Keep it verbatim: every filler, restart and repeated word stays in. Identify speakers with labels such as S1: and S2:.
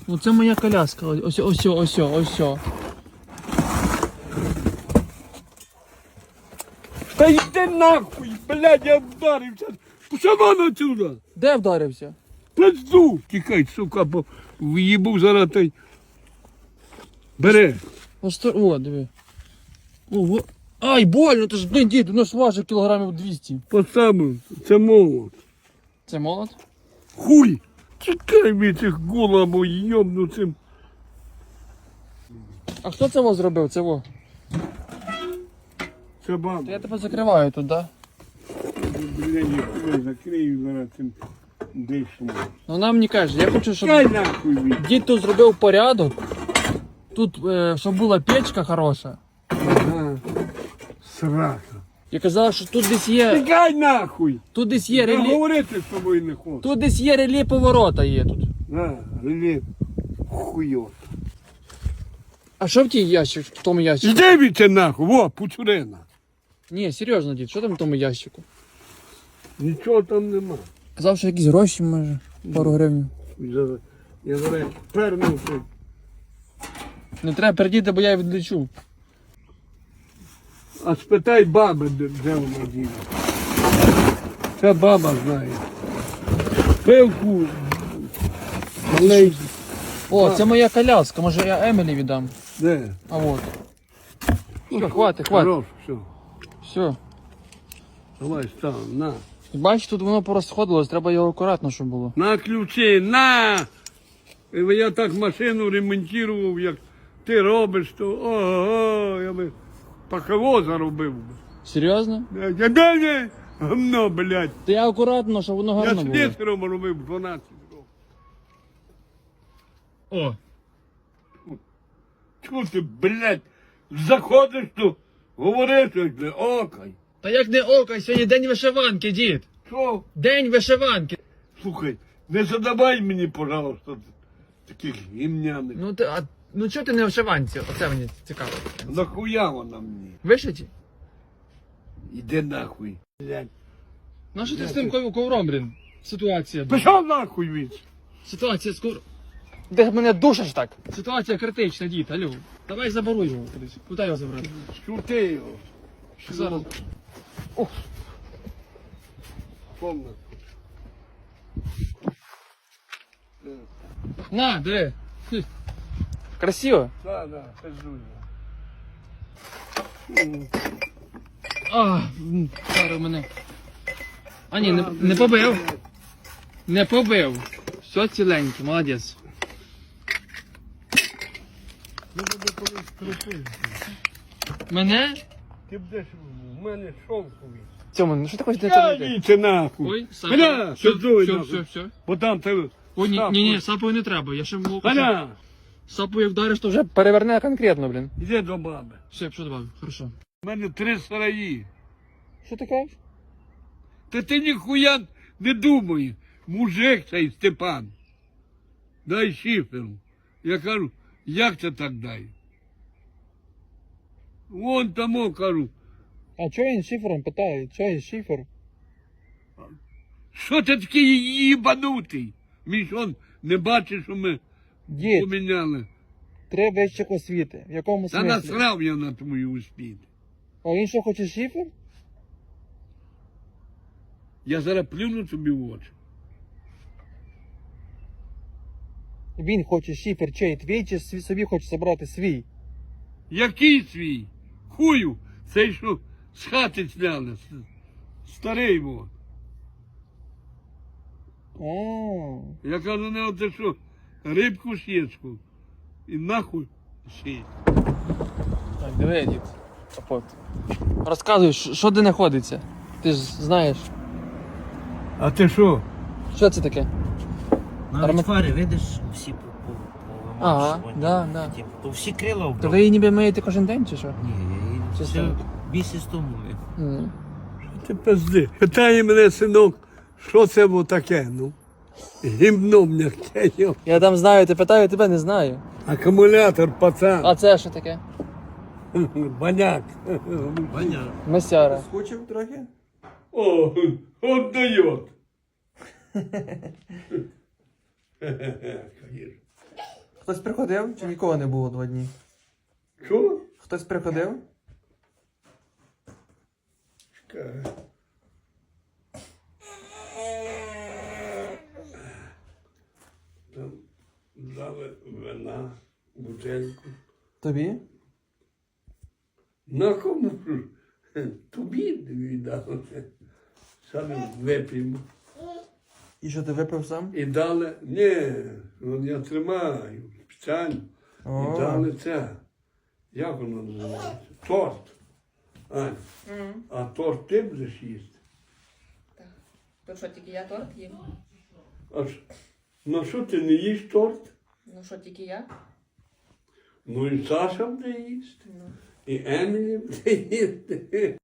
S1: Ну це моя коляска. Ось, ось, ось, ось.
S2: Та йди нахуй, блядь, я вдарився. Сама отсюда.
S1: Де вдарився?
S2: Пизду. Тікай, сука, бо в'їбу зараз той. Бери.
S1: Ось, о, диви. Ого. Ай, больно, ти ж, блін, дід, воно ж важить кілограмів двісті.
S2: Поставив, це молот.
S1: Це молот?
S2: Хуй. Тікай від цих голабо йобнуцим.
S1: А хто це вас зробив? Це во?
S2: Це баба.
S1: Я тебе закриваю тут, да?
S2: Блядь, я закрию зараз цим дишом.
S1: Ну вона мені каже, я хочу, щоб
S2: Дай нахуй від.
S1: дід тут зробив порядок. Тут, е, щоб була печка хороша.
S2: Ага. Срака.
S1: І казала, що тут десь є.
S2: Тікай нахуй.
S1: Тут десь є
S2: Я
S1: релі.
S2: говорити з тобою не хочу.
S1: Тут десь є релі поворота є тут.
S2: На, релі. Хуйот.
S1: А що в тій ящик, в тому ящику?
S2: Іди від це нахуй, во, пучурина.
S1: Ні, серйозно, дід, що там в тому ящику?
S2: Нічого там нема.
S1: Казав, що якісь гроші, може, пару гривень.
S2: Я- Я зараз пернув тут.
S1: Не треба пердіти, бо я відлечу.
S2: А спитай баби, де, де вона діє. Ця баба знає. Пилку. Малей.
S1: О, це моя коляска, може я Емілі віддам.
S2: Де?
S1: А от. Все, хватить, хватить.
S2: Хорош, все.
S1: Все.
S2: Давай став, на.
S1: Бачиш, тут воно порозходилось, треба його акуратно, щоб було.
S2: На ключі, на! І я так машину ремонтував, як ти робиш, то ого, я би пахово заробив. би.
S1: Серйозно?
S2: Я далі гамно, блядь.
S1: Та я акуратно, щоб воно
S2: Я
S1: гарно було.
S2: слесарем робив дванадцять років.
S1: О.
S2: Чого ти, блядь, заходиш тут, говориш, як не окай.
S1: Та як не око, сьогодні день вишиванки, дід.
S2: Що?
S1: День вишиванки.
S2: Слухай, не задавай мені, пожалуйста, таких гімняних.
S1: Ну ти, а, ну чого ти не в вишиванці? Оце мені цікаво.
S2: Нахуя вона мені?
S1: Вишиті?
S2: Іди нахуй, блядь.
S1: Ну що ти з тим ков- ковром, блін? Ситуація. блін.
S2: Пішов нахуй від.
S1: Ситуація з ковром. Де мене душиш так? Ситуація критична, дід, алло. Давай заборуй його кудись. Куди його забрати?
S2: Шути його.
S1: Зараз.
S2: Ох. Повна.
S1: На, диви. Хм. Красиво.
S2: Да, да, пиздуй.
S1: А, м, зараз мене. А ні, не, не побив. Не побив. Все ціленьке, молодець. Мене?
S2: Ти будеш у мене шовковий.
S1: Цьому, ну що ти хочеш
S2: Я
S1: зробити?
S2: віце нахуй.
S1: Ой,
S2: Гля,
S1: все,
S2: пиздуй
S1: все,
S2: нахуй.
S1: все, все.
S2: Бо там ти...
S1: О, ні, ні, ні, сапою не треба, я ще можу.
S2: Галя,
S1: Сапою вдариш, то вже переверне конкретно, блін.
S2: іди до баби.
S1: Все, що добавив, хорошо.
S2: У мене три сараї.
S1: Що ти кажеш?
S2: Та ти ніхуя не думай. Мужик цей Степан. Дай шиферу. Я кажу, як це так дай? Вон тому кажу,
S1: А чого він шифером питає? Чого він шифер?
S2: що ти такий їбанутий? Він що, не бачиш, що ми
S1: Дід,
S2: поміняли?
S1: три вищих освіти. В якому
S2: Та
S1: смислі?
S2: насрав я на твою успіх.
S1: А він що, хоче шифер?
S2: Я зараз плюну тобі в очі.
S1: Він хоче шифер чей, твій чи свій- собі хоче забрати свій?
S2: Який свій? Хую, цей що з хати зняли. с- Старий во.
S1: А,
S2: Я кажу, не оце що, рибку сєчку. І нахуй сіть.
S1: так, диви, дід. Капот. Розказуй, що що де знаходиться? Ти ж знаєш.
S2: А ти що?
S1: Що це таке?
S3: Навіть
S1: Арма-
S3: фари, видиш, всі по, по, по
S1: Ага, да, да.
S3: Типу, то всі крила
S1: То
S3: вбрав.
S1: ви її ніби миєте кожен день чи що?
S3: Ні, я її
S1: Чи
S3: все
S1: що?
S3: місяць тому. мив.
S1: М.
S2: Ти пизди. Питає мене, синок, що це було таке, ну? Гімно м'яке, йо.
S1: Я там знаю, ти питаю, тебе не знаю.
S2: Акумулятор, пацан.
S1: А це що таке?
S2: Баняк.
S3: Ваня,
S1: Месяра.
S4: Скучив трохи?
S2: О, от дает.
S1: Хтось приходив чи нікого не було два дні?
S2: Що?
S1: Хтось приходив?
S2: Чекай. Там дали вина, бутельку.
S1: Тобі?
S2: На кому ж? Тобі віддали. Саме вип'ємо.
S1: І що ти випив сам?
S2: І дали, ні, ну, я тримаю спеціально.
S1: О.
S2: І дали це. Як воно називається? Торт. Ань, а торт ти будеш їсти?
S4: Так. То що, тільки я торт їм?
S2: А що? Ну що ти не їш торт?
S4: Ну що, тільки я?
S2: Ну і Саша буде їсти.
S4: Ну.
S2: І Емілі буде їсти.